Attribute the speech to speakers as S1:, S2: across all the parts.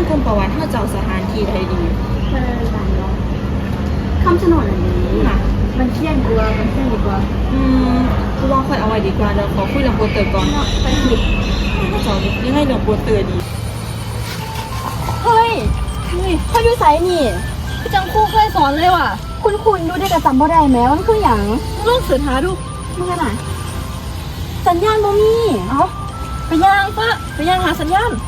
S1: คุมประวัติเขาเจ้าสถานที่ใดดี
S2: มันต่างเนาะคำชะโนดอันนี้มันเที่ยงกว่ามันเที่ยงดีกว่า
S1: กูว่าค่อยเอาไว้ดีกว่าเดี๋ยวขอคุยเรื่องโปสเตอร์ก่อน
S2: เนาะไปผิด
S1: เจ้ายังไงเรื่องโปสเตอร์ดี
S2: เฮ้ยเขาอยู่ไสนี่จังครูเคยสอนเลยว่ะคุณดูได้กระจำบ่ได้แม้มันคืออย่างลองสืบหาดูมันกันไหนสัญญาณบ่มีไปย่างปะไปย่างหาสัญญาณ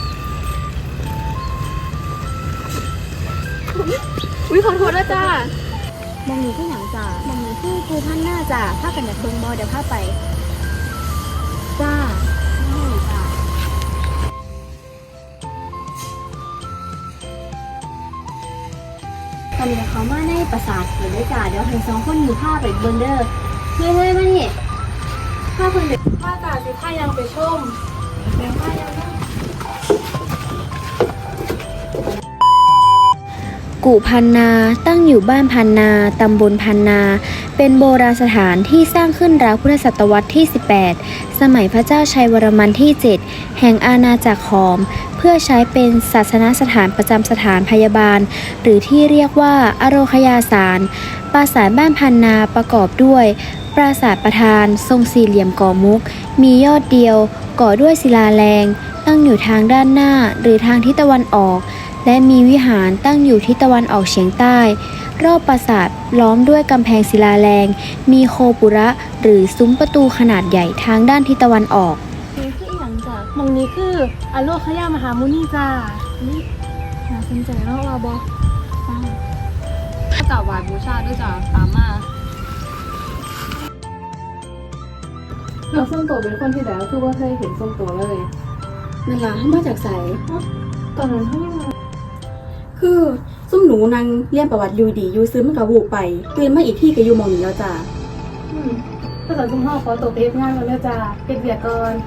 S2: อุ้ยขอโทษนะจ้ามองนี้คืออย่างจ้ามองนี้คือครูท่านหน้าจ้าพากันอยากเบิ่งบ่เดี๋ยวพาไปจ้าจ้าตอนนี้เขามาในปราสาทอยู่ด้วยจ้าเดี๋ยวให้สองคนนี้พาไปเบิ่งเด้อเฮ้ยมานี่พาคนเด็กพาจ้าสิพายังไปชมแม่พายัง
S3: กุพันนาตั้งอยู่บ้านพันนาตำบลพันนา เป็นโบราณสถานที่สร้างขึ้นราวพุทธศตวรรษที่ 18 สมัยพระเจ้าชัยวรมันที่ 7 แห่งอาณาจักรขอม เพื่อใช้เป็นศาสนสถานประจำสถานพยาบาล หรือที่เรียกว่าอโรคยาสารปราสาทบ้านพันนาประกอบด้วย ปราสาทประธานทรงสี่เหลี่ยมก่อมุก มียอดเดียว ก่อด้วยศิลาแรงตั้งอยู่ทางด้านหน้าหรือทางทิศตะวันออกและมีวิหารตั้งอยู่ทิศตะวันออกเฉียงใต้รอบปราสาทล้อมด้วยกำแพงศิลาแรงมีโคปุระหรือซุ้มประตูขนาดใหญ่ทางด้านทิศตะวันออก
S2: นี่คืออีหยังจ้ะมองนี้คืออโลคยามหามุนีจ้านี่น่าสนใจเนาะว่าบ่จ้า
S1: ถ้ากราบไหว้บูชาด้วยจ้าตามมา
S2: เราส้มโตเป็นคนที่แล้วคือว่าเคยเห็นส้มโตเลยนั่นล่ะมาจากไสตอนนั้นเขายัง
S4: คือซุ่มหนูนางเรียนประวัติอยู่ดีอยู่ซื้อมันกับวูไปตื่นมาอีกที่ก็อยู่มองนี้แล้วจ้า
S2: ภาษาซุ่มพ่อขอตัวไปเฮ็ดงานก่อนเด้อจ้าเก็บเบียร์ก่อน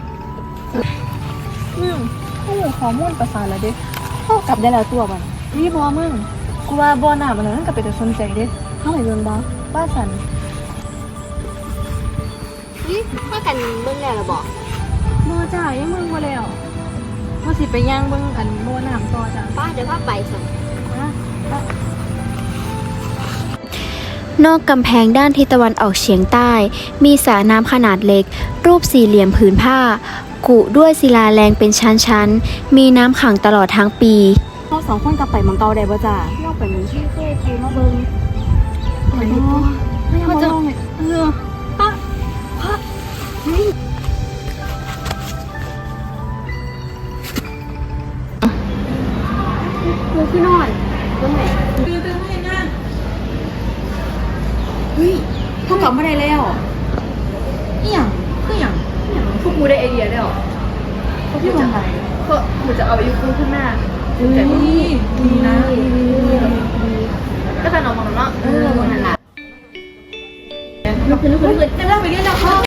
S1: ข้อมูลประสานแล้วเด้เข้ากลับได้แล้วตัวบัดนี่บ่มึงกูว่าบ่หน้ามันนั่นก็เป็นแต่สนใจเด้
S2: เข้าไปเบิ่งบ่
S1: ป้าสัน
S2: นี่พากันเบิ่งแล้วล่ะบ่
S1: บ่จ้ายังมึงบ่แล้วว่าสิไปย่างเบิ่งอันบ่น้ำต่อจ้า
S2: ป้าเดี๋ยวพาไปสั่น
S3: นอกกำแพงด้านทิศตะวันออกเฉียงใต้ มีสระน้ำขนาดเล็ก รูปสี่เหลี่ยมผืนผ้า กุด้วยศิลาแรงเป็นชั้นๆ มีน้ำขังตลอดทั้งปี
S4: เราสองคนกลับไปมังเกาได้บ่จ้า
S2: เราไปมึงที่เคยครูมาเบิ่ง
S4: ไปเนาะ
S2: เขาจะป้าเฮ้ยดูที่นอนตรงไหน
S1: ตื่นให้นะ
S4: เฮ้ยเขากลับมาได้แล้ว
S1: อีหยังคือหยังพวกกูได้ไอเดียแล้ว
S4: เขาพูดว่าไง
S1: ก็กูจะเอาไปอยู่ข้างหน้าแต่ก็ดีนะก็จะนอนมองเนาะ
S2: มันนั่นแหละ
S1: ลุกขึ้นจะเล่าไปเรื่อยๆ